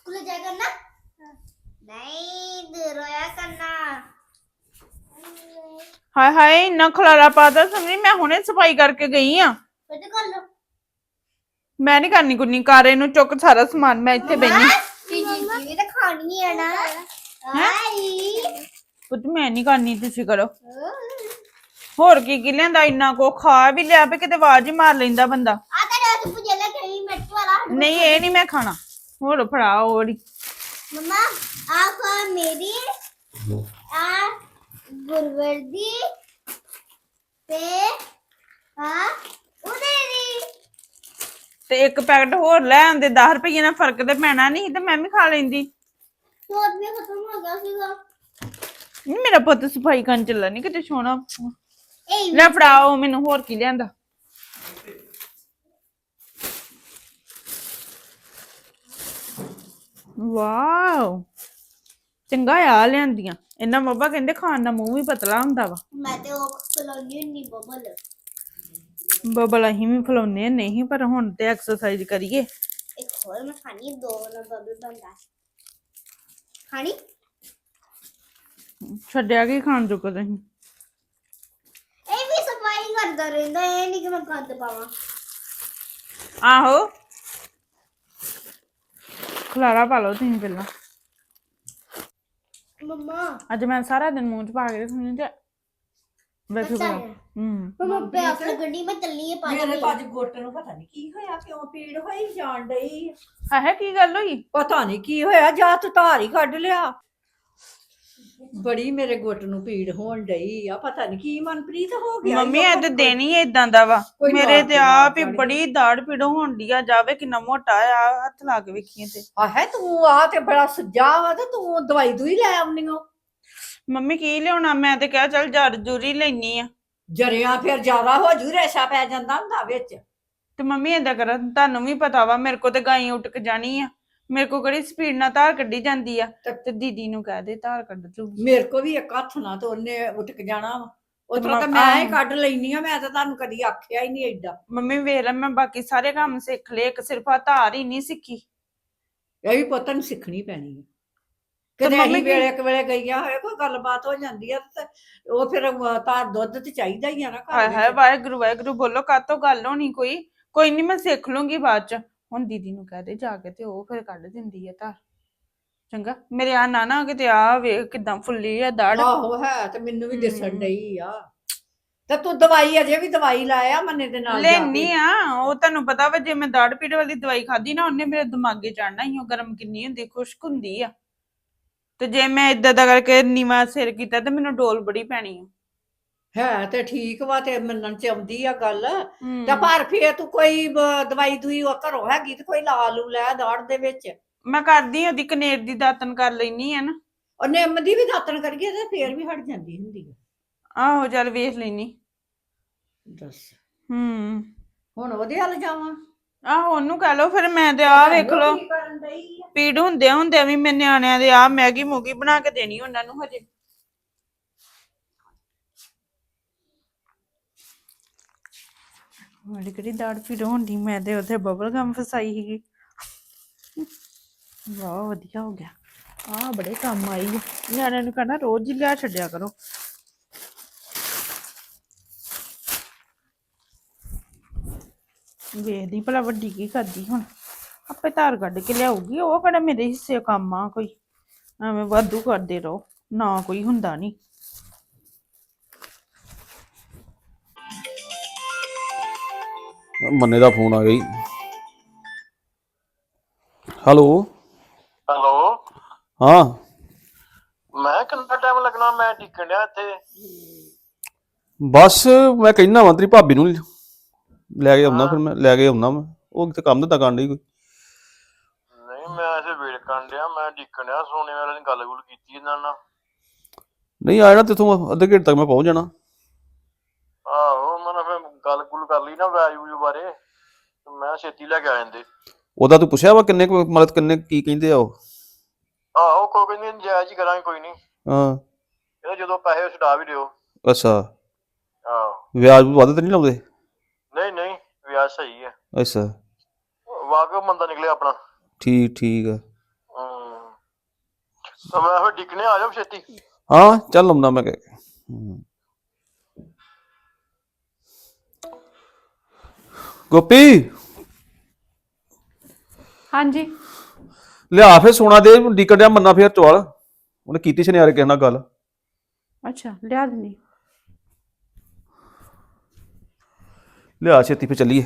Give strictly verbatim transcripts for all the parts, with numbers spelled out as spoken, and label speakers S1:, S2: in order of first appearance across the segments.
S1: School जाया करना नहीं दूर रोया करना
S2: हाय हाय इन्ना खलारा पाता समझी मैं हुणे सफाई करके गई हां
S1: फिर तो कर लो
S2: मैं नहीं करनी कुन्नी कार इनू चुक सारा सामान मैं इत्थे बैठी
S1: चीजी भी तो खानी है ना आई
S2: पुत मैं नहीं करनी तुसी करो ਹੋਰ ਕੀ ਕੀ ਲੈਂਦਾ ਇੰਨਾ ਕੋ ਖਾ ਵੀ ਲਿਆ ਵੀ ਕਿਤੇ ਆਵਾਜ਼ ਹੀ ਮਾਰ ਲੈਂਦਾ ਬੰਦਾ
S1: आ तेरे तो मुझे लगा कहीं मिर्च वाला
S2: ਨਹੀਂ ਇਹ ਨਹੀਂ ਮੈਂ ਖਾਣਾ ਹੋਰ ਫੜਾ ਹੋੜੀ
S1: मम्मा आ खा मेरी आ गुरवर्दी पे आ उधेरी
S2: ਤੇ ਇੱਕ ਪੈਕਟ ਹੋਰ ਲੈ ਆਂਦੇ दस ਰੁਪਏ ਨਾਲ ਫਰਕ ਤੇ ਪੈਣਾ ਨਹੀਂ ਤੇ ਮੈਂ ਵੀ ਖਾ ਲੈਂਦੀ
S1: तो भी खत्म हो गया सीगा
S2: ਨਹੀਂ ਮੇਰਾ ਪੁੱਤ ਸਫਾਈ ਕਰਨ ਚੱਲਾ ਨਹੀਂ ਕਿਤੇ ਸੋਣਾ
S1: ए
S2: ਲੈ ਫੜਾਓ ਮੈਨੂੰ ਹੋਰ ਕੀ ਲਿਆਂਦਾ ਵਾਓ ਚੰਗਾ ਆ ਲਿਆਂਦੀਆਂ ਇਹਨਾਂ ਮੰਮਾ ਕਹਿੰਦੇ ਖਾਣ ਦਾ ਮੂੰਹ ਵੀ ਪਤਲਾ ਹੁੰਦਾ ਵਾ
S1: मैं तो कलोनी नहीं बबल
S2: ਬਬਲ ਅਸੀਂ ਵੀ ਫਲਾਉਨੇ ਨਹੀਂ ਪਰ ਹੁਣ ਤੇ ਐਕਸਰਸਾਈਜ਼ ਕਰੀਏ
S1: एक और मैं खानी दो ना बबल बनता खानी
S2: ਛੱਡਿਆ ਕੀ ਖਾਣ ਚੁੱਕਾ ਤੁਸੀਂ
S1: ए भी सफाई करता रहता है नहीं कि मैं गंद पावा
S2: ਆਹੋ ਖਲਾਰਾ ਪਾ ਲਓ ਤੁਸੀਂ ਪਹਿਲਾਂ
S1: मम्मा
S2: ਅੱਜ ਮੈਂ ਸਾਰਾ ਦਿਨ ਮੂੰਹ ਚ ਪਾ ਕੇ ਰੱਖਣੀ ਤੇ ਵੈਸੇ
S1: ਅੱਛਾ
S2: ਬੜਾ
S1: ਹੈ।
S2: ਹੂੰ
S1: मम्मा पे अपना गड्डी में चलनी है पानी
S3: ਮੇਰੇ
S1: में
S3: ਤਾਂ ਅੱਜ ਗੁੱਟ ਨੂੰ ਪਤਾ ਨਹੀਂ ਕੀ ਹੋਇਆ ਕਿਉਂ ਪੀੜ ਹੋਈ ਜਾਣ ਡਈ
S2: ਹੈ ਕੀ ਗੱਲ ਹੋਈ
S3: ਪਤਾ ਨਹੀਂ ਕੀ ਹੋਇਆ ਜਾਂ ਤੂੰ ਧਾਰ ਹੀ ਕੱਢ ਲਿਆ ਬੜੀ ਮੇਰੇ ਗੁੱਟ ਨੂੰ ਪੀੜ ਹੋਣ ਡਈ ਆ ਪਤਾ ਨਹੀਂ ਕੀ ਮਨਪ੍ਰੀਤ ਹੋ ਗਿਆ
S2: ਮੰਮੀ ਇਹ ਤੇ ਦਿਨ ਹੀ ਇਦਾਂ ਦਾ ਵਾ
S3: ਕੋਈ
S2: ਮੇਰੇ
S3: ਮਾਰ
S2: ਤੇ
S3: ਕੇ
S2: ਆਪ ਹੀ
S3: ਮਾਰ
S2: ਬੜੀ ਦਾੜ ਪੀੜ ਹੋਣ ਡਈ ਆ ਜਾਵੇ ਕਿੰਨਾ ਮੋਟਾ ਆ ਹੱਥ ਲਾ ਕੇ ਵੇਖੀਏ ਤੇ
S3: ਆ ਹੈ ਤੂੰ ਆ ਤੇ ਬੜਾ ਸੱਜਾ ਵਾ ਤੇ ਤੂੰ ਦਵਾਈ ਦੂਈ ਲੈ ਆਉਣੀ ਓ
S2: ਮੰਮੀ ਕੀ ਲਿਆਉਣਾ ਮੈਂ ਤੇ ਕਿਹਾ ਚੱਲ ਜੜ ਜੂਰੀ ਲੈਣੀ ਆ
S3: ਜਰਿਆ ਫਿਰ ਜ਼ਿਆਦਾ ਹੋ ਜੂ ਰੇਸ਼ਾ ਪੈ ਜਾਂਦਾ ਹੁੰਦਾ ਵਿੱਚ
S2: ਤੇ ਮੰਮੀ ਏਦਾਂ ਕਰ ਤੁਹਾਨੂੰ ਵੀ ਪਤਾ ਵਾ ਮੇਰੇ ਕੋ ਤੇ ਗਾਈ ਉੱਟ ਕੇ ਜਾਣੀ ਆ ਮੇਰੇ ਕੋ ਕਿਹੜੀ ਸਪੀਡ ਨਾਲ ਧਾਰ ਕੱਢੀ ਜਾਂਦੀ ਆ ਤੇ ਦੀਦੀ ਨੂੰ ਕਹਿ ਦੇ ਧਾਰ ਕੱਢ ਦੂਗੀ
S3: ਮੇਰੇ ਕੋ ਵੀ ਇੱਕ ਹੱਥ ਨਾਲ ਤੇ ਉਹਨੇ ਉੱਠ ਕੇ ਜਾਣਾ ਵਾ ਉਤਰਾ ਤਾਂ
S2: ਤੇ
S3: ਮੈਂ ਹੀ
S2: ਆਹੋ।
S3: ਕੱਢ ਲੈਣੀ ਆ ਮੈਂ ਤਾਂ ਤੁਹਾਨੂੰ ਕਦੀ ਆਖਿਆ ਹੀ ਨਹੀਂ ਏਡਾ
S2: ਮੰਮੀ ਵੇਖ ਲੈ ਮੈਂ ਬਾਕੀ ਸਾਰੇ ਕੰਮ ਸਿੱਖ ਲਏ ਇੱਕ ਸਿਰਫ ਆ ਧਾਰ ਹੀ ਨਹੀਂ ਸਿੱਖੀ
S3: ਇਹ ਵੀ ਪੁੱਤ ਨੂੰ ਸਿੱਖਣੀ ਪੈਣੀ ਹੈ
S2: ਤੇ
S3: ਕਦੇ
S2: ਮੰਮੀ
S3: ਅਸੀਂ
S2: ਕੀ-
S3: ਵੇਲੇ ਇੱਕ ਵੇਲੇ ਗਈਆਂ ਹੋਏ ਕੋਈ ਗੱਲਬਾਤ ਹੋ ਜਾਂਦੀ ਆ ਤੇ ਉਹ ਫਿਰ ਤਾਂ ਦੁੱਧ ਤੇ ਚਾਹੀਦਾ ਹੀ ਆ ਨਾ
S2: ਹਾਏ
S3: ਘਰ
S2: ਹਾਏ
S3: ਵਿੱਚ
S2: ਵਾਹਿਗੁਰੂ ਵਾਹਿਗੁਰੂ ਬੋਲੋ ਕਾਤੋਂ ਗੱਲ ਹੋਣੀ ਕੋਈ ਕੋਈ ਨਹੀਂ ਮੈਂ ਸਿੱਖ ਲੂੰਗੀ ਬਾਅਦ ਚ ਹੁਣ ਦੀਦੀ ਨੂੰ ਕਹਿ ਦੇ ਜਾ ਕੇ ਤੇ ਉਹ ਫਿਰ ਕੱਢ ਦਿੰਦੀ ਆ ਧਾਰ ਚੰਗਾ ਮੇਰੇ ਆ ਨਾ ਨਾ ਕਿਤੇ ਆ ਵੇਖ ਕਿਦਾਂ ਫੁੱਲੀ ਆ ਦਾੜ
S3: ਆਹੋ ਹੈ ਤੇ ਮੈਨੂੰ ਵੀ ਦਿਸਣ
S2: ਹਮ।
S3: ਡਈ ਆ ਤੇ ਤੂੰ ਦਵਾਈ ਅਜੇ ਵੀ ਦਵਾਈ ਲਾਇਆ ਮੰਨੇ ਦੇ ਨਾਲ ਜਾ ਕੇ।
S2: ਲੈਣੀ ਆ ਉਹ ਤੁਹਾਨੂੰ ਪਤਾ ਵਾ ਜੇ ਮੈਂ ਦਾੜ ਪੀੜ ਵਾਲੀ ਦਵਾਈ ਖਾਦੀ ਨਾ ਉਹਨੇ ਮੇਰੇ ਦਿਮਾਗੇ ਚੜਨਾ ਹੀ ਉਹ ਗਰਮ ਕਿੰਨੀ ਹੁੰਦੀ ਖੁਸ਼ਕ ਹੁੰਦੀ ਆ ਤੇ ਜੇ ਮੈਂ ਇਦਾਂ ਦਾ ਕਰਕੇ ਨੀਵਾ ਸਿਰ ਕੀਤਾ ਤੇ ਮੈਨੂੰ ਡੋਲ ਬੜੀ ਪੈਣੀ ਆ
S3: ਹੈ ਤੇ ਠੀਕ ਵਾ ਤੇ ਮੰਨਣ ਚ ਆਉਂਦੀ ਆ ਗੱਲ
S2: ਹਮ।
S3: ਤੇ ਪਰ ਫੇਰ ਤੂੰ ਕੋਈ ਬ- ਦਵਾਈ ਦੂਈ ਉਹ ਘਰੋਂ ਹੈਗੀ ਤੇ ਕੋਈ ਲਾ ਲੂ ਲੈ ਦਾੜ ਦੇ ਵਿੱਚ
S2: ਮੈਂ ਕਰਦੀ ਉਹਦੀ ਕਨੇਰ ਦੀ ਦਾਤਨ ਕਰ ਲੈਣੀ ਆ ਨਾ
S3: ਉਹ ਨਿੰਮ ਦੀ ਵੀ ਦਾਤਣ ਕਰੀਏ ਤੇ ਫੇਰ ਵੀ ਹਟ ਜਾਂਦੀ ਹੁੰਦੀ ਆ
S2: ਆਹੋ ਚੱਲ ਵੇਖ ਲੈਣੀ
S3: ਦੱਸ
S2: ਹੂੰ
S3: ਹੁਣ ਉਹਦੇ ਹੱਲ ਜਾਵਾਂ
S2: ਆਹੋ ਉਹਨੂੰ ਕਹਿ ਲਓ ਫਿਰ ਮੈਂ ਤੇ ਆਹ ਵੇਖ ਲਓ
S3: ਕੀ ਕਰਨ ਡਈ ਆ?
S2: ਪੀੜ ਹੁੰਦੇ ਹੁੰਦੇ ਵੀ ਮੈਂ ਨਿਆਣਿਆਂ ਦੇ ਆ ਮੈਗੀ ਮੂਗੀ ਬਣਾ ਕੇ ਦੇਣੀ ਉਹਨਾਂ ਨੂੰ ਹਜੇ ਮੇਰੀ ਕਿਹੜੀ ਦਾੜ ਪੀੜ ਹੁੰਦੀ ਮੈਂ ਤੇ ਉੱਥੇ ਬਬਲ ਗਮ ਫਸਾਈ ਸੀਗੀ ਵਾਹ ਵਧੀਆ ਹੋ ਗਿਆ ਆ ਬੜੇ ਕੰਮ ਆਈ ਆ। ਨਿਆਣਿਆਂ ਨੂੰ ਕਹਿਣਾ ਰੋਜ਼ ਹੀ ਲਿਆ ਛੱਡਿਆ ਕਰੋ ਵੇਖਦੀ ਭਲਾ ਵੱਡੀ ਕੀ ਕਰਦੀ ਹੁਣ ਆਪੇ ਧਾਰ ਕੱਢ ਕੇ ਲਿਆਊਗੀ ਉਹ ਕਿਹੜਾ ਮੇਰੇ ਹਿੱਸੇ ਕੰਮ ਆ ਕੋਈ ਐਵੇਂ ਵਾਧੂ ਕਰਦੇ ਰਹੋ ਨਾ ਕੋਈ ਹੁੰਦਾ ਨਹੀਂ
S4: ਮੰਨੇ ਦਾ ਫੋਨ ਆ ਗਈ ਹੈਲੋ
S5: ਹੈਲੋ
S4: ਹਾਂ
S5: ਮੈਂ ਕਿੰਨਾ ਟਾਈਮ ਲੱਗਣਾ ਮੈਂ ਟਿਕਣ ਡਿਆ ਇੱਥੇ
S4: ਬਸ ਮੈਂ ਕਹਿਣਾ ਵਾਂ ਤੇਰੀ ਭਾਬੀ ਨੂੰ ਲੈ ਕੇ ਆਉਣਾ ਫਿਰ ਮੈਂ ਲੈ ਕੇ ਆਉਣਾ ਮੈਂ ਉਹ ਕਿਤੇ ਕੰਮ ਧੰਦਾ ਕਰਨ ਡਈ ਕੋਈ
S5: ਨਹੀਂ ਮੈਂ ਇਸੇ ਵੇਟ ਕਰਨ ਡਿਆ ਮੈਂ ਟਿਕਣ ਡਿਆ ਸੋਨੇ ਵਾਲੇ ਨੇ ਗੱਲ ਗੁੱਲ ਕੀਤੀ ਇਹਨਾਂ ਨਾਲ
S4: ਨਹੀਂ ਆ ਜਾਣਾ ਤੇਥੋਂ ਅੱਧੇ ਘੰਟੇ ਤੱਕ ਮੈਂ ਪਹੁੰਚ ਜਾਣਾ
S5: ਆਹੋ ਮੈਂ ਨਾ ਫਿਰ ਗੱਲ ਗੁੱਲ ਕਰ ਲਈ ਨਾ ਵੈਜ ਵੂਜ ਬਾਰੇ ਤੇ ਮੈਂ ਛੇਤੀ ਲੈ ਕੇ ਆ ਜਾਂਦੇ
S4: ਉਹਦਾ ਤੂੰ ਪੁੱਛਿਆ ਵਾ ਕਿੰਨੇ ਕੁ ਮਤਲਬ ਕਿੰਨੇ ਕੀ ਕਹਿੰਦੇ ਆ ਉਹ
S5: ਆਹੋ ਕੋਈ ਕਹਿੰਦੀ ਜਾਇਜ਼ ਹੀ ਕਰਾਂਗੇ ਕੋਈ ਨਹੀਂ
S4: ਹਾਂ
S5: ਇਹ ਜਦੋਂ ਪੈਸੇ ਛਡਾ ਵੀ ਦਿਓ
S4: ਅੱਛਾ
S5: ਆਹੋ
S4: ਵਿਆਜ ਵੱਧ ਤਾਂ ਨਹੀਂ ਲਾਉਂਦੇ
S5: ਨਹੀਂ ਨਹੀਂ ਵਿਆਜ ਸਹੀ ਹੈ
S4: ਅੱਛਾ
S5: ਵਾਕਈ ਮੰਦਾ ਨਿਕਲਿਆ ਆਪਣਾ
S4: ਠੀਕ ਠੀਕ ਆ
S5: ਤਾਂ ਮੈਂ ਫਿਰ ਡਿੱਕਣੇ ਆ ਜਾਓ ਛੇਤੀ।
S4: ਹਾਂ ਚੱਲ ਆਉਂਦਾ ਮੈਂ ਕਹਿ ਕੇ। ਹੂੰ। ਗੋਪੀ
S2: ਹਾਂਜੀ
S4: ਲਿਆ ਫੇਰ ਸੋਨਾ ਦੇ ਡਿੱਕਣ ਡਿਆ ਮੰਨਾ ਫੇਰ ਚਵਾਲ ਉਹਨੇ ਕੀਤੀ ਸੁਨਿਆਰੇ ਕਿਸੇ ਨਾਲ ਗੱਲ।
S2: ਅੱਛਾ ਲਿਆ ਦਿੰਦੀ।
S4: ਲਿਆ ਛੇਤੀ ਫੇਰ ਚੱਲੀਏ।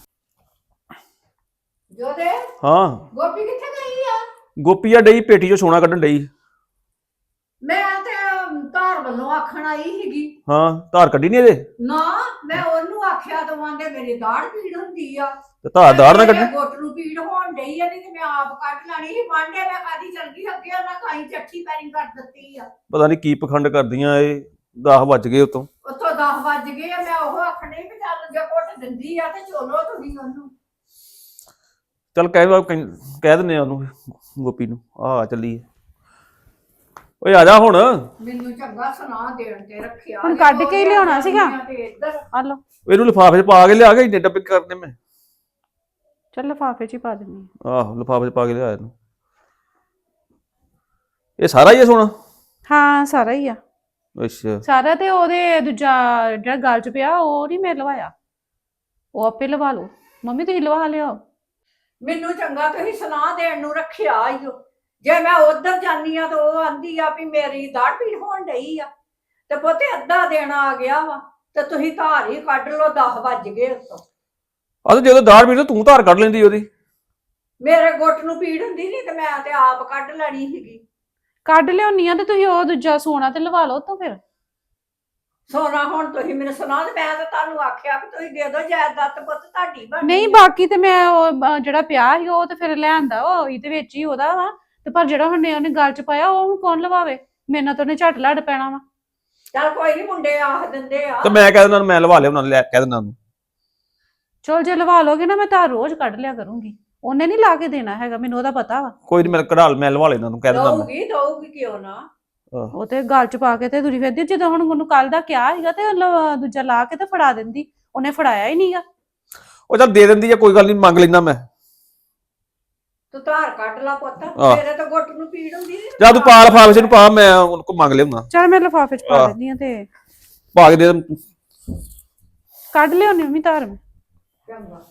S3: ਜੋਦੇ
S4: ਹਾਂ
S3: ਗੋਪੀ ਕਿੱਥੇ ਗਈ ਆ?
S4: ਗੋਪੀ ਆ ਡਈ ਪੇਟੀ ਚੋਂ ਸੋਨਾ ਕੱਢਣ ਡਈ।
S3: ਮੈਂ ਤੇ ਧਾਰ ਵੱਲੋਂ ਆਖਣ ਆਈ ਸੀਗੀ।
S4: ਹਾਂ ਧਾਰ ਕੱਢੀ ਨੀ ਇਹਦੇ
S3: ਨਾ ਮੈਂ ਉਹਨੂੰ ਆਖਿਆ ਦਵਾਂਗੇ ਮੇਰੀ ਦਾੜ ਪੀੜ ਹੁੰਦੀ ਆ
S4: ਤੇ ਧਾਰ ਦਾੜ ਨਾ
S3: ਮੇਰੇ
S4: ਕੱਢੀ।
S3: ਗੁੱਟ ਨੂੰ ਪੀੜ ਹੋਣ ਡਈ ਆ ਨਹੀਂ ਤੇ ਮੈਂ ਆਪ ਕੱਢ ਲੈਣੀ ਸੀ। ਮਾਂਡੇ ਮੈਂ ਕਾਦੀ ਚਲ ਗਈ ਅੱਗੇ ਉਹਨਾਂ ਕਾਈ ਚੱਠੀ ਪੈਰੀ ਕਰ ਦਿੱਤੀ ਆ।
S4: ਪਤਾ ਨੀ ਕੀ ਪਖੰਡ ਕਰਦੀਆਂ ਇਹ ਦਸ ਵੱਜ ਗਏ ਉਤੋਂ।
S3: ਉੱਥੋਂ ਦਸ ਵੱਜ ਗਏ ਆ। ਮੈਂ ਉਹ ਆਖਣੇ ਵੀ ਚੱਲ ਜੇ ਘੁੱਟ ਦਿੰਦੀ ਆ ਤੇ ਚੋਲੋ ਤੁਸੀਂ ਉਹਨੂੰ।
S4: ਚੱਲ ਕਹਿ ਕਹਿ ਦਿੰਦੇ ਆ ਉਹਨੂੰ ਗੋਪੀ ਨੂੰ ਆ ਚੱਲੀਏ। ਓਏ ਆ ਜਾ ਹੁਣ।
S3: ਮੈਨੂੰ ਚੰਗਾ ਸੁਣਾ ਦੇਣ ਤੇ ਰੱਖਿਆ
S2: ਹੁਣ ਕੱਢ ਕੇ ਹੀ ਲਿਆਉਣਾ ਸੀਗਾ।
S3: ਤੇ ਇੱਧਰ
S2: ਆ ਲਓ
S4: ਇਹਨੂੰ ਲਿਫਾਫੇ 'ਚ ਪਾ ਕੇ ਲਿਆ ਕੇ ਇੰਨੇ ਡੱਬੇ ਕਰਨੇ ਮੈਂ।
S2: ਚੱਲ ਲਿਫਾਫੇ 'ਚ ਹੀ ਪਾ ਦਿੰਦੀ ਹਾਂ।
S4: ਆਹੋ ਲਿਫਾਫੇ 'ਚ ਪਾ ਕੇ ਲਿਆ ਇਹਨੂੰ। ਇਹ ਸਾਰਾ ਹੀ ਹੈ ਸੋਨਾ?
S2: ਹਾਂ ਸਾਰਾ ਹੀ ਆ।
S4: ਅੱਛਾ
S2: ਸਾਰਾ ਤੇ ਉਹਦੇ ਦੂਜਾ ਜਿਹੜਾ ਗਲ 'ਚ ਪਿਆ ਉਹ ਨਹੀਂ ਮੈਂ ਲਵਾਇਆ। ਉਹ ਆਪੇ ਲਵਾ ਲਓ। ਮੰਮੀ ਤੁਸੀਂ ਲਵਾ ਲਿਓ।
S3: ਮੈਨੂੰ ਚੰਗਾ ਤੁਸੀਂ ਸੁਣਾ ਦੇਣ ਨੂੰ ਰੱਖਿਆ ਈ ਓ। ਜੇ ਮੈਂ ਉਧਰ ਜਾਨੀ ਆ ਤਾਂ ਉਹ ਆਂਦੀ ਆ ਵੀ ਮੇਰੀ ਦਾੜ ਪੀੜ ਹੋਣ ਡਈ ਆ ਤੇ ਪੁੱਤੇ ਅੱਧਾ ਦਿਨ ਆ ਗਿਆ ਵਾ ਤੇ ਤੁਸੀਂ ਧਾਰ ਹੀ ਕੱਢ ਲਓ। ਦਸ ਵੱਜ ਗਏ ਉੱਤੋਂ।
S4: ਆ ਤੇ ਜਦੋਂ ਦਾੜ ਪੀੜ ਤੂੰ ਧਾਰ ਕੱਢ ਲੈਂਦੀ ਉਹਦੀ।
S3: ਮੇਰੇ ਗੁੱਟ ਨੂੰ ਪੀੜ ਹੁੰਦੀ ਨਹੀਂ ਤੇ ਮੈਂ ਤੇ ਆਪ ਕੱਢ ਲੈਣੀ ਸੀਗੀ।
S2: ਕੱਢ ਲਿਆਉਣੀ ਆ ਤੇ ਤੁਸੀਂ ਉਹ ਦੂਜਾ ਸੋਨਾ ਤੇ ਲਵਾ ਲਓ ਤਾਂ ਫਿਰ।
S3: ਸੋਨਾ ਹੁਣ ਤੁਸੀਂ ਮੈਨੂੰ ਸੁਣਾ ਤੇ ਮੈਂ ਤਾਂ ਤੁਹਾਨੂੰ ਆਖਿਆ ਵੀ ਤੁਸੀਂ ਦੇ ਦਿਓ ਜਾਇਦਾਦ ਤੇ ਪੁੱਤ ਤੁਹਾਡੀ ਬਣ
S2: ਨਹੀਂ ਬਾਕੀ ਤੇ ਮੈਂ ਉਹ ਅਹ, ਜਿਹੜਾ ਪਿਆ ਸੀ ਉਹ ਤੇ ਫਿਰ ਲਿਆਂਦਾ ਵਾ ਉਹੀ ਦੇ ਵਿੱਚ ਹੀ ਉਹਦਾ ਵਾ। ਤੇ ਪਰ ਜਿਹੜਾ ਹੁਣ ਉਹਨੇ ਗਲ 'ਚ ਪਾਇਆ ਉਹ ਹੁਣ ਕੌਣ ਲਵਾਵੇ? ਮੇਰੇ ਨਾਲ ਤਾਂ ਉਹਨੇ ਝੱਟ ਲੜ ਪੈਣਾ ਵਾ।
S3: ਚੱਲ ਕੋਈ ਨਹੀਂ ਮੁੰਡੇ ਆਖ ਦਿੰਦੇ ਆ।
S4: ਤੇ ਮੈਂ ਕਹਿ ਦਿੰਦਾ ਮੈਂ ਲਵਾ ਲਿਆ ਉਹਨਾਂ ਨੂੰ ਲੈ ਕਹਿ ਦਿੰਦਾ ਉਹਨੂੰ।
S2: ਚਲ ਜੇ ਲਵਾ ਲੋਗੇ ਨਾ ਮੈਂ ਤਾਂ ਰੋਜ਼ ਕੱਢ ਲਿਆ ਕਰੂੰਗੀ। ਉਹਨੇ ਨਹੀਂ ਲਾ ਕੇ ਦੇਣਾ ਹੈਗਾ ਮੈਨੂੰ ਉਹਦਾ ਪਤਾ ਵਾ।
S4: ਕੋਈ ਨਹੀਂ ਮੈਂ ਕਢਾ ਮੈਂ ਲਵਾ ਲੈਣਾ ਉਹਨੂੰ ਕਹਿ ਦਿੰਦਾ ਮੈਂ।
S3: ਦਊਗੀ ਦਊਗੀ ਕਿਉਂ ਨਾ।
S4: ਆਹ,
S2: ਉਹ ਤੇ ਗਲ 'ਚ ਪਾ ਕੇ ਤੇ ਤੁਰੀ ਫਿਰਦੀ। ਜਦੋਂ ਹੁਣ ਉਹਨੂੰ ਕੱਲ ਦਾ ਕਿਹਾ ਸੀਗਾ ਤੇ ਉਹ ਲ- ਦੂਜਾ ਲਾ ਕੇ ਤੇ ਫੜਾ ਦਿੰਦੀ। ਉਹਨੇ ਫੜਾਇਆ ਹੀ ਨਹੀਂਗਾ।
S4: ਉਹ ਚੱਲ ਦੇ ਦਿੰਦੀ ਆ ਕੋਈ ਗੱਲ ਨਹੀਂ ਮੰਗ ਲੈਣਾ ਮੈਂ।
S3: ਤੂੰ ਧਾਰ ਕੱਢ ਲਾ ਪੁੱਤ।
S4: ਆਹ।
S3: ਮੇਰੇ ਤਾਂ ਗੁੱਟ ਨੂੰ ਪੀੜ ਹੁੰਦੀ ਨੀ।
S4: ਜਾਂ ਤੂੰ ਪਾ ਲਿਫਾਫੇ 'ਚ ਨੂੰ ਪਾ ਮੈਂ ਉਹਨੂੰ ਕੋ ਮੰਗ ਲਿਆਉਣਾ।
S2: ਚਲ ਮੈਂ ਲਿਫਾਫੇ 'ਚ ਪਾ
S4: ਆਹ।
S2: ਦਿੰਦੀ ਆ ਤੇ
S4: ਪਾ ਕੇ ਦੇ ਦੇ।
S2: ਕੱਢ ਲਿਆਉਣੀ ਮੰਮੀ ਧਾਰ ਮੈਂ।
S3: ਚੰਗਾ।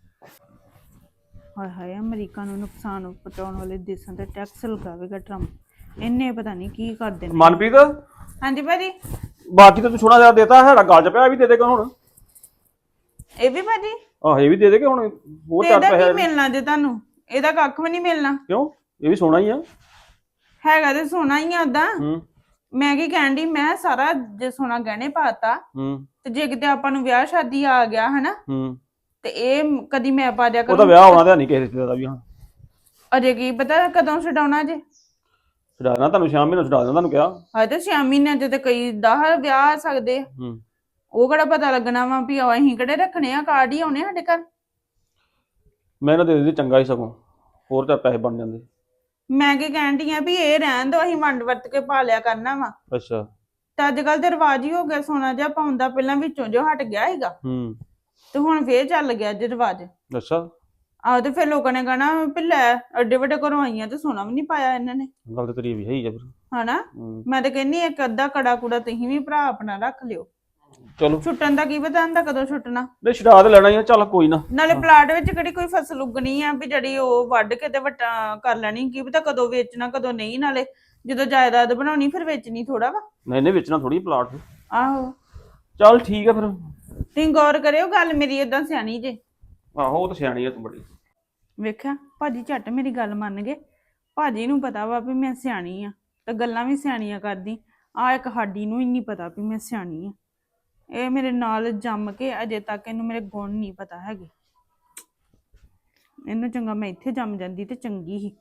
S2: ਹਾਏ ਹਾਏ ਅਮਰੀਕਾ ਨੂੰ ਨੁਕਸਾਨ ਪਹੁੰਚਾਉਣ ਵਾਲੇ ਦੇਸ਼ਾਂ ਤੇ ਟੈਕਸ ਲਗਾਵੇਗਾ ਟਰੰਪ। ਇਹਨੇ ਪਤਾ ਨਹੀਂ ਕੀ ਕਰਦੇ ਨੇ।
S4: ਮਨਪ੍ਰੀਤ
S2: ਹਾਂਜੀ ਭਾਜੀ।
S4: ਬਾਕੀ ਤਾਂ ਤੂੰ ਸੋਨਾ ਜਿਆਦਾ ਦੇਤਾ ਸਾਡਾ ਗੱਲ 'ਚ ਪਿਆ ਇਹ ਵੀ ਦੇ ਦੇਗਾ ਹੁਣ।
S2: ਇਹ ਵੀ ਭਾਜੀ
S4: ਆਹ ਇਹ ਵੀ ਦੇ ਦੇ ਕਿ ਹੁਣ ਹੋਰ
S2: ਤੇ
S4: ਚਾਰ
S2: ਇਹਦਾ ਕੀ
S4: ਪੈਸੇ
S2: ਮਿਲਣਾ ਜੇ ਤੁਹਾਨੂੰ? ਇਹਦਾ ਕੱਖ ਵੀ ਨਹੀਂ ਮਿਲਣਾ।
S4: ਕਿਉਂ ਇਹ ਵੀ ਸੋਨਾ ਹੀ ਆ।
S2: ਹੈਗਾ ਤੇ ਸੋਨਾ ਹੀ ਆ ਓਦਾਂ।
S4: ਹੂੰ
S2: ਮੈਂ ਕੀ ਕਹਿਣ ਡਈ ਮੈਂ ਸਾਰਾ ਜੇ ਸੋਨਾ ਗਹਿਣੇ ਪਾਤਾ
S4: ਹੂੰ
S2: ਤੇ ਜੇ ਕਿਤੇ ਆਪਾਂ ਨੂੰ ਵਿਆਹ ਸ਼ਾਦੀ ਆ ਗਿਆ ਹਨਾ
S4: ਹੂੰ
S2: ਤੇ ਇਹ ਕਦੀ ਮੈਂ ਪਾ ਦਿਆ
S4: ਉਹਦਾ
S2: ਕਰੂੰ।
S4: ਵਿਆਹ ਹੋਣਾ ਤਾਂ ਨਹੀਂ ਕਿਸੇ ਰਿਸ਼ਤੇ ਦਾ ਵੀ ਹਾਂ।
S2: ਅਜੇ ਕੀ ਪਤਾ ਕਦੋਂ ਛਡਾਉਣਾ ਜੇ।
S4: ਛਡਾਣਾ ਤੁਹਾਨੂੰ ਸ਼ਾਮ ਮਹੀਨੇ ਛਡਾ ਦੇਣਾ ਤੁਹਾਨੂੰ ਕਿਹਾ।
S2: ਹਾਏ ਤੇ ਛੇ ਮਹੀਨਿਆਂ ਚ ਤੇ ਕਈ ਦਸ ਵਿਆਹ ਆ ਸਕਦੇ ਆ।
S4: ਹੂੰ
S2: ਉਹ ਕਿਹੜਾ ਪਤਾ ਲੱਗਣਾ ਵਾ ਵੀ ਅਸੀਂ ਕਿਹੜੇ ਰੱਖਣੇ ਆ? ਕਾਰਡ ਹੀ ਆਉਣੇ ਸਾਡੇ ਘਰ।
S4: ਮੈਂ ਇਹਨਾਂ ਦੇ ਦਿੰਦੀ ਚੰਗਾ ਹੀ ਸਗੋਂ ਹੋਰ ਤਾਂ ਪੈਸੇ ਬਣ ਜਾਂਦੇ।
S2: ਮੈਂ ਕੀ ਕਹਿਣ ਡਈ ਆ ਵੀ ਇਹ ਰਹਿਣ ਦੋ ਅਸੀਂ ਵੰਡ ਵਰਤ ਕੇ ਪਾ ਲਿਆ ਕਰਨਾ ਵਾ।
S4: ਅੱਛਾ
S2: ਤੇ ਅੱਜ ਕੱਲ ਤੇ ਰਿਵਾਜ ਹੀ ਹੋ ਗਿਆ ਸੋਨਾ ਜਿਹਾ ਪਾਉਣ ਦਾ। ਪਹਿਲਾਂ ਵਿੱਚੋਂ ਜੋ ਹਟ ਗਿਆ ਸੀਗਾ
S4: ਹੂੰ
S2: ਤੇ ਹੁਣ ਫੇਰ ਚੱਲ ਗਿਆ ਜੇ ਰਿਵਾਜ।
S4: ਅੱਛਾ
S2: ਆਹ ਤੇ ਫਿਰ ਲੋਕਾਂ ਨੇ ਕਹਣਾ ਵੀ ਲੈ ਅੱਡੇ ਵੱਡੇ ਘਰੋਂ ਆਈਆਂ ਤੇ ਸੋਨਾ ਵੀ ਨਹੀਂ ਪਾਇਆ ਇਹਨਾਂ ਨੇ
S4: ਗੱਲ ਤਾਂ ਤੇਰੀ ਵੀ ਹੈ ਹੀ ਆ ਫਿਰ।
S2: ਹਨਾ।
S4: ਹੂੰ
S2: ਮੈਂ ਤੇ ਕਹਿੰਨੀ ਇੱਕ ਅੱਧਾ ਕੜਾ ਕੁੜਾ ਤੁਸੀਂ ਵੀ ਭਰਾ ਆਪਣਾ ਰੱਖ ਲਿਓ।
S4: ਚਲੋ
S2: ਛੁੱਟਣ ਦਾ ਕੀ ਪਤਾ ਹੁੰਦਾ ਕਦੋਂ ਛੁੱਟਣਾ।
S4: ਨਹੀਂ ਛਡਾ ਤੇ ਲੈਣਾ ਹੀ ਆ ਚੱਲ ਕੋਈ ਨਾ।
S2: ਨਾਲੇ ਪਲਾਟ ਵਿੱਚ ਕਿਹੜੀ ਕੋਈ ਫਸਲ ਉਗਣੀ ਆ ਵੀ ਜਿਹੜੀ ਉਹ ਵੱਢ ਕੇ ਤੇ ਵੱਟਾ ਕਰ ਲੈਣੀ। ਕੀ ਪਤਾ ਕਦੋਂ ਵੇਚਣਾ ਕਦੋਂ ਨਹੀਂ। ਨਾਲੇ ਜਦੋਂ ਜਾਇਦਾਦ ਬਣਾਉਣੀ ਫਿਰ ਵੇਚਣੀ ਥੋੜਾ ਵਾ।
S4: ਨਹੀਂ ਨਹੀਂ ਵੇਚਣਾ ਥੋੜੀ ਪਲਾਟ।
S2: ਆਹੋ
S4: ਚੱਲ ਠੀਕ ਆ ਫਿਰ।
S2: ਤੁਸੀਂ ਗੌਰ ਕਰਿਓ ਗੱਲ ਮੇਰੀ ਏਦਾਂ ਸਿਆਣੀ ਜੇ।
S4: ਆਹੋ ਉਹ ਤਾਂ ਸਿਆਣੀ ਆ ਤੂੰ ਬੜੀ।
S2: ਵੇਖਿਆ ਭਾਜੀ ਝੱਟ ਮੇਰੀ ਗੱਲ ਮੰਨ ਗਏ। ਭਾਜੀ ਨੂੰ ਪਤਾ ਵਾ ਵੀ ਮੈਂ ਸਿਆਣੀ ਆ ਤੇ ਗੱਲਾਂ ਵੀ ਸਿਆਣੀਆਂ ਕਰਦੀ। ਆ ਇੱਕ ਸਾਡੀ ਨੂੰ ਹੀ ਨਹੀਂ ਪਤਾ ਵੀ ਮੈਂ ਸਿਆਣੀ ਆ। ਇਹ ਮੇਰੇ ਨਾਲ ਜੰਮ ਕੇ ਅਜੇ ਤੱਕ ਇਹਨੂੰ ਮੇਰੇ ਗੁਣ ਨਹੀਂ ਪਤਾ ਹੈਗੇ। ਇਹਨੂੰ ਚੰਗਾ ਮੈਂ ਇੱਥੇ ਜੰਮ ਜਾਂਦੀ ਤੇ ਚੰਗੀ ਸੀ।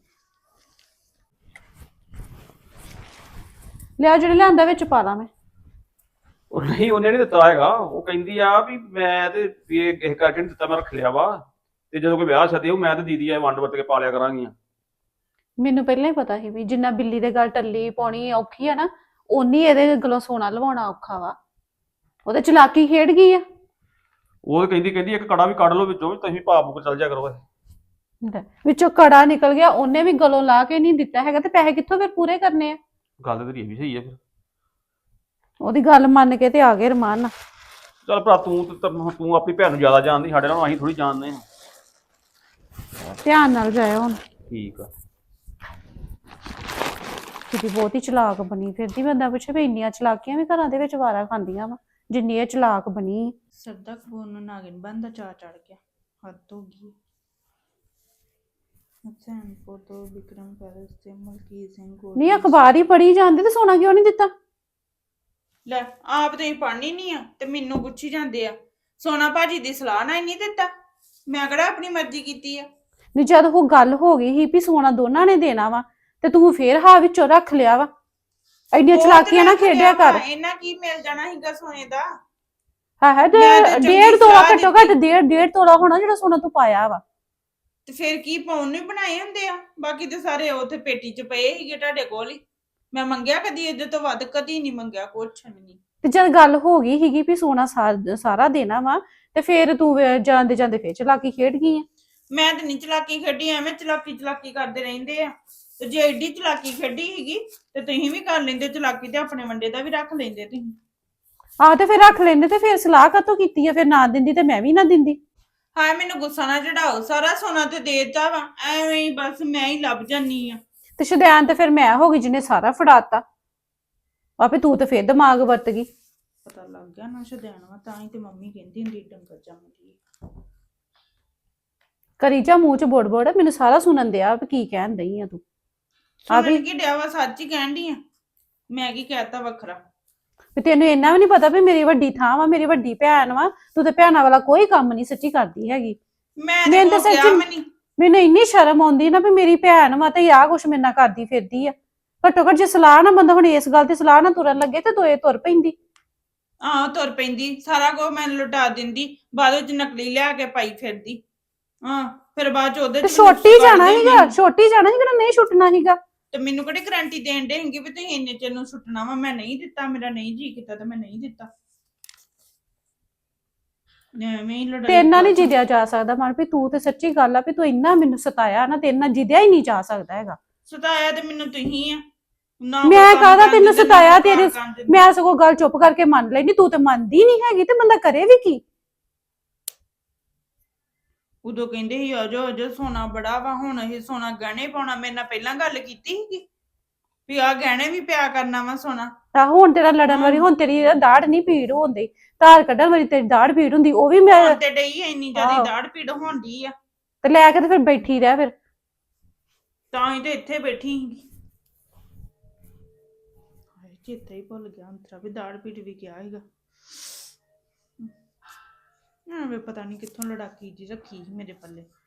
S2: ਲਿਆ ਜਿਹੜੇ ਲਿਆਂਦਾ ਵਿੱਚ ਪਾ ਲਾ ਮੈਂ।
S4: ਉਹ ਨਹੀਂ ਉਹਨੇ ਨਹੀਂ ਦਿੱਤਾ ਹੈਗਾ। ਉਹ ਕਹਿੰਦੀ ਆ ਵੀ ਮੈਂ ਤੇ ਵੀ ਇਹ ਕਿਸੇ ਕਰਕੇ ਨਹੀਂ ਦਿੱਤਾ ਮੈਂ ਰੱਖ ਲਿਆ ਵਾ ਤੇ ਜਦੋਂ ਕੋਈ ਵਿਆਹ ਸ਼ਾਦੀ ਹੋਊ ਮੈਂ ਤੇ ਦੀਦੀ ਆ ਵੰਡ ਵਰਤ ਕੇ ਪਾ ਲਿਆ ਕਰਾਂਗੀਆਂ।
S2: ਮੈਨੂੰ ਪਹਿਲਾਂ ਹੀ ਪਤਾ ਸੀ ਵੀ ਜਿੰਨਾ ਬਿੱਲੀ ਦੇ ਗੱਲ ਟੱਲੀ ਪਾਉਣੀ ਔਖੀ ਆ ਨਾ ਓਨੀ ਇਹਦੇ ਗਲੋਂ ਸੋਨਾ ਲਵਾਉਣਾ ਔਖਾ ਵਾ। ਉਹਦੇ ਚਲਾਕੀ ਖੇਡ ਗਈ ਆ।
S4: ਉਹ ਕਹਿੰਦੀ ਕਹਿੰਦੀ ਇੱਕ ਕੜਾ ਵੀ ਕੱਢ ਲਓ ਵਿੱਚੋਂ ਵੀ ਤੁਸੀਂ ਭਾਪ ਕੋ ਚੱਲ ਜਾ ਕਰੋ।
S6: ਲੈ, ਵਿੱਚੋਂ ਕੜਾ ਨਿਕਲ ਗਿਆ, ਉਹਨੇ ਵੀ ਗਲੋਂ ਲਾ ਕੇ ਨਹੀਂ ਦਿੱਤਾ ਹੈਗਾ ਤੇ ਪੈਸੇ ਕਿੱਥੋਂ ਫਿਰ ਪੂਰੇ ਕਰਨੇ ਆ?
S4: ਗੱਲ ਤੇ ਤੇਰੀ ਇਹ ਵੀ ਸਹੀ ਆ ਫਿਰ।
S6: ਉਹਦੀ ਗੱਲ ਮੰਨ ਕੇ ਤੇ ਆ ਗਏ ਰਮਾਨ ਨਾਲ।
S4: ਚੱਲ ਭਰਾ ਤੂੰ ਤੇ ਤਾਂ- ਤੂੰ ਆਪਣੀ ਭੈਣ ਨੂੰ ਜ਼ਿਆਦਾ ਜਾਣਦੀ, ਸਾਡੇ ਨਾਲ ਅਸੀਂ ਥੋੜੀ ਜਾਣਦੇ ਹਾਂ।
S6: ਧਿਆਨ ਨਾਲ ਜਾਇਓ ਹੁਣ।
S4: ਠੀਕ ਆ।
S6: ਕਿਤੇ ਬਹੁਤ ਹੀ ਚਲਾਕ ਬਣੀ ਫਿਰਦੀ, ਬੰਦਾ ਪੁੱਛੇ ਵੀ ਇੰਨੀਆਂ ਚਲਾਕੀਆਂ ਵੀ ਘਰਾਂ ਦੇ ਵਿੱਚ ਵਾਰਾ ਖਾਂਦੀਆਂ ਵਾ ਜਿੰਨੀ ਇਹ ਚਲਾਕ ਬਣੀ।
S2: ਸਰਦਾ ਕਪੂਰ ਨੂੰ ਨਾਗਿਨ ਬੰਦਾ ਚਾ ਚੜ ਗਿਆ, ਹੱਦ ਹੋ ਗਈ। ਹਸੈਨਪੁਰ ਤੋਂ ਵਿਕਰਮ ਪੈਲਸ ਤੇ ਮਲਕੀਤ ਸਿੰਘ ਗੋਲ
S6: ਨਹੀਂ ਅਖਬਾਰ ਹੀ ਪੜ੍ਹੀ ਜਾਂਦੇ ਤੇ ਸੋਨਾ ਕਿਉਂ ਨਹੀਂ ਦਿੱਤਾ?
S2: ਲੈ ਆਪ ਤੇ ਪੜ੍ਹਨੀ ਨਹੀਂ ਆ ਤੇ ਮੈਨੂੰ ਪੁੱਛੀ ਜਾਂਦੇ ਆ। ਸੋਨਾ ਭਾਜੀ ਦੀ ਸਲਾਹ ਨਾਲ ਹੀ ਨਹੀਂ ਦਿੱਤਾ, ਮੈਂ ਕਿਹੜਾ ਆਪਣੀ ਮਰਜ਼ੀ ਕੀਤੀ ਆ।
S6: ਨਹੀਂ ਜਦ ਉਹ ਗੱਲ ਹੋ ਗਈ ਸੀ ਵੀ ਸੋਨਾ ਦੋਨਾਂ ਨੇ ਦੇਣਾ ਵਾ ਤੇ ਤੂੰ ਫੇਰ ਹਾਂ ਵਿੱਚੋਂ ਰੱਖ ਲਿਆ ਵਾ। ਐਡੀਆਂ
S2: ਉਹ ਤੇ
S6: ਚਲਾਕੀਆਂ ਨਾ
S2: ਰੱਖ ਲਿਆ
S6: ਖੇਡਿਆ ਕਰ।
S2: ਵਾ, ਇਹਨਾਂ ਕੀ ਮਿਲ ਜਾਣਾ ਸੀਗਾ ਸੋਨੇ ਦਾ।
S6: ਹਾਂ ਹੈ ਤੇ
S2: ਮੈਂ ਤਾਂ ਚੰਗੀ
S6: ਡੇਢ ਤੋਲਾ
S2: ਸਲਾਹ
S6: ਘੱਟੋ ਘੱਟ ਡੇਢ ਡੇਢ ਤੋਲਾ ਹੋਣਾ ਜਿਹੜਾ ਸੋਨਾ ਤੂੰ ਪਾਇਆ ਵਾ।
S2: ਤੇ ਫਿਰ ਕੀ ਪਾਉਣ ਨੂੰ ਹੀ ਬਣਾਏ ਹੁੰਦੇ ਆ, ਬਾਕੀ ਤੇ ਸਾਰੇ ਉੱਥੇ ਪੇਟੀ 'ਚ ਪਏ ਸੀਗੇ ਤੁਹਾਡੇ ਕੋਲ ਹੀ। ਮੈਂ ਮੰਗਿਆ ਕਦੀ ਇਹਦੇ ਤੋਂ ਵੱਧ ਕਦੀ ਨਹੀਂ ਮੰਗਿਆ, ਕੁਛ ਵੀ ਨਹੀਂ।
S6: ਤੇ ਜਦ ਗੱਲ ਹੋ ਗਈ ਸੀਗੀ ਵੀ ਸੋਨਾ ਸਾ- ਸਾਰਾ ਦੇਣਾ ਵਾ ਤੇ ਫੇਰ ਤੂੰ ਵੇ- ਜਾਂਦੇ ਜਾਂਦੇ ਫੇਰ ਚਲਾਕੀ ਖੇਡ ਗਈ ਆ।
S2: ਮੈਂ ਤੇ ਨਹੀਂ ਚਲਾਕੀ ਖੇਡੀ, ਐਵੇਂ ਚਲਾਕੀ ਚਲਾਕੀ ਕਰਦੇ ਰਹਿੰਦੇ ਆ। ਤੇ ਜੇ ਐਡੀ ਚਲਾਕੀ ਖੇਡੀ ਸੀਗੀ ਤੇ ਤੁਸੀਂ ਵੀ ਕਰ ਲੈਂਦੇ ਚਲਾਕੀ, ਤੇ ਆਪਣੇ ਵੰਡੇ ਦਾ ਵੀ ਰੱਖ ਲੈਂਦੇ ਤੁਸੀਂ।
S6: ਆਹ ਤੇ ਫਿਰ ਰੱਖ ਲੈਂਦੇ ਤੇ ਫਿਰ ਸਲਾਹ ਕਾਤੋਂ ਕੀਤੀ ਆ? ਫਿਰ ਨਾ ਦਿੰਦੀ ਤੇ ਮੈਂ ਵੀ ਨਾ ਦਿੰਦੀ।
S2: ਹਾਏ ਮੈਨੂੰ ਗੁੱਸਾ ਨਾ ਚੜਾਓ, ਸਾਰਾ ਸੋਨਾ ਤੇ ਦੇਤਾ ਵਾ, ਐਵੇਂ ਹੀ ਬਸ ਮੈਂ ਹੀ ਲੱਭ ਜਾਨੀ ਆ।
S6: ਤੇ ਸ਼ੁਦੈਨ ਤੇ ਫਿਰ ਮੈਂ ਹੋ ਗਈ ਜਿਹਨੇ ਸਾਰਾ ਫੜਾਤਾ। ਆਪੇ ਤੂੰ ਤੇ ਫਿਰ ਦਿਮਾਗ ਵਰਤ ਗਈ।
S2: ਪਤਾ ਲੱਗ ਗਿਆ ਨਾ ਸ਼ੁਦੈਣ ਵਾ, ਤਾਂ ਹੀ ਤੇ ਮੰਮੀ ਕਹਿੰਦੀ ਹੁੰਦੀ ਡੰਗਰ ਜੰਮਦੀ।
S6: ਕਰੀ ਜਾ ਮੂੰਹ ਚ ਬੋੜ ਬੋੜ, ਮੈਨੂੰ ਸਾਰਾ ਸੁਣਨ ਦਿਆ ਵੀ ਕੀ ਕਹਿਣ ਦਈ ਆ ਤੂੰ। ਆ ਵੀ
S2: ਸੁਣਨ ਕੀ ਡਿਆ ਵਾ, ਸੱਚ ਹੀ ਕਹਿਣ ਡਈ ਆ। ਮੈਂ ਕੀ ਕਹਿਤਾ ਵੱਖਰਾ?
S6: ਵੀ ਤੈਨੂੰ ਇੰਨਾ ਵੀ ਨਹੀਂ ਪਤਾ ਵੀ ਮੇਰੀ ਵੱਡੀ ਥਾਂ ਵਾ, ਮੇਰੀ ਵੱਡੀ ਭੈਣ ਵਾ, ਤੂੰ ਤੇ ਭੈਣਾਂ ਵਾਲਾ ਕੋਈ ਕੰਮ ਨਹੀਂ ਸੱਚੀ ਕਰਦੀ ਹੈਗੀ।
S2: ਮੈਂ ਤੇ
S6: ਮੈਨੂੰ ਤਾਂ
S2: ਕੋ ਕਿਹਾ
S6: ਸੱਚੀ-
S2: ਮੈਂ ਨਹੀਂ।
S6: ਮੈਨੂੰ ਇੰਨੀ ਸ਼ਰਮ ਆਉਂਦੀ ਨਾ ਵੀ ਮੇਰੀ ਭੈਣ ਵਾ ਤੇ ਆਹ ਕੁਛ ਮੇਰੇ ਨਾਲ ਕਰਦੀ ਫਿਰਦੀ ਆ। ਘੱਟੋ ਘੱਟ ਜੇ ਸਲਾਹ ਨਾ ਬੰਦਾ ਹੁਣ ਇਸ ਗੱਲ ਤੇ ਸਲਾਹ ਨਾ ਤੁਰਨ ਲੱਗੇ ਤੇ ਦੋਏ ਤੁਰ ਪੈਂਦੀ।
S2: ਆਹ ਤੁਰ ਪੈਂਦੀ, ਸਾਰਾ ਕੁਝ ਮੈਨੂੰ ਲੁਟਾ ਦਿੰਦੀ, ਬਾਅਦ ਵਿੱਚ ਨਕਲੀ ਲਿਆ ਕੇ ਪਾਈ ਫਿਰਦੀ। ਹਾਂ ਫਿਰ ਬਾਅਦ ਚ ਉਹਦੇ
S6: ਤੇ
S2: ਚ
S6: ਛੋਟੀ
S2: ਨੁਕਸ
S6: ਜਾਣਾ
S2: ਕੱਢਦੇ
S6: ਸੀਗਾ,
S2: ਮੈਨੂੰ।
S6: ਛੋਟੀ ਜਾਣਾ ਸੀ ਕਿਹੜਾ ਨਹੀਂ ਛੁੱਟਣਾ ਸੀਗਾ।
S2: ਤੇ ਮੈਨੂੰ ਕਿਹੜੀ ਗਰੰਟੀ ਦੇਣ ਦੇ ਹੈਗੇ ਵੀ ਤੁਸੀਂ ਇੰਨੇ ਚਿਰ ਨੂੰ ਸੁੱਟਣਾ ਵਾ? ਮੈਂ ਨਹੀਂ ਦਿੱਤਾ, ਮੇਰਾ ਨਹੀਂ ਜੀ ਕੀਤਾ ਤੇ ਮੈਂ ਨਹੀਂ ਦਿੱਤਾ। ਐਵੇਂ ਹੀ ਲੜਾਈ
S6: ਤੇ ਇੰਨਾ ਨਹੀਂ
S2: ਕਰਦੀ।
S6: ਜਿੱਦਿਆ ਜਾ ਸਕਦਾ ਮਨ ਵੀ ਤੂੰ ਤੇ ਸੱਚੀ ਗੱਲ ਆ ਵੀ ਤੂੰ ਇੰਨਾ ਮੈਨੂੰ ਸਤਾਇਆ ਨਾ ਤੇ ਇੰਨਾ ਜਿੱਦਿਆ ਹੀ ਨਹੀਂ ਜਾ ਸਕਦਾ ਹੈਗਾ।
S2: ਸਤਾਇਆ ਤੇ ਮੈਨੂੰ ਤੁਸੀਂ ਆ ਨਾ।
S6: ਮੈਂ
S2: ਕੋਈ ਕੰਮ
S6: ਕਾਹਦਾ
S2: ਕਰਨ
S6: ਤੈਨੂੰ
S2: ਦਿੰਦੇ, ਨਾ
S6: ਸਤਾਇਆ?
S2: ਕੋਈ
S6: ਤੇਰੇ
S2: ਕਰਨ ਦਿੰਦੇ।
S6: ਮੈਂ ਸਗੋਂ ਗੱਲ ਚੁੱਪ ਕਰਕੇ ਮੰਨ ਲੈਣੀ, ਤੂੰ ਤੇ ਮੰਨਦੀ ਨਹੀਂ ਹੈਗੀ ਤੇ ਬੰਦਾ ਕਰੇ ਵੀ ਕੀ?
S2: ਉਦੋਂ ਕਹਿੰਦੇ ਸੀ ਅਜੋ ਅਜੋ ਸੋਨਾ ਬੜਾ ਵਾ, ਹੁਣ ਇਹ ਸੋਨਾ ਗਹਿਣੇ ਪਾਉਣਾ। ਮੇਰੇ ਨਾਲ ਪਹਿਲਾਂ ਗੱਲ ਕੀਤੀ ਸੀਗੀ ਵੀ ਆਹ ਗਹਿਣੇ ਵੀ ਪਿਆ ਕਰਨਾ ਵਾ ਸੋਨਾ।
S6: ਤਾਂ ਹੁਣ ਤੇਰਾ ਲੜਨ ਵਾਲੀ, ਹੁਣ ਤੇਰੀ ਦਾੜ ਨਹੀਂ ਪੀੜ ਹੁੰਦੀ, ਧਾਰ ਕੱਢਣ ਵਾਲੀ ਤੇਰੀ ਦਾੜ ਪੀੜ ਹੁੰਦੀ, ਉਹ ਵੀ ਮੈਂ
S2: ਹੁਣ ਤੇ ਡਈ ਆ, ਇੰਨੀ ਜ਼ਿਆਦਾ
S6: ਆਹੋ।
S2: ਦਾੜ ਪੀੜ ਹੁੰਦੀ ਆ।
S6: ਤੇ ਲੈ ਕੇ ਤੇ ਫਿਰ ਬੈਠੀ ਰਹਿ ਫਿਰ।
S2: ਤਾਂ ਹੀ ਤੇ ਇੱਥੇ ਬੈਠੀ ਸੀਗੀ। ਹਾਏ ਚੇਤਾ ਹੀ ਭੁੱਲ ਗਿਆ ਅੰਤਰਾ ਵੀ ਦਾੜ ਪੀੜ ਵੀ ਕਿਹਾ ਸੀਗਾ। ਐਵੇਂ ਪਤਾ ਨਹੀਂ ਕਿੱਥੋਂ ਲੜਾਕੀ ਜੀ ਰੱਖੀ ਸੀ ਮੇਰੇ ਪੱਲੇ।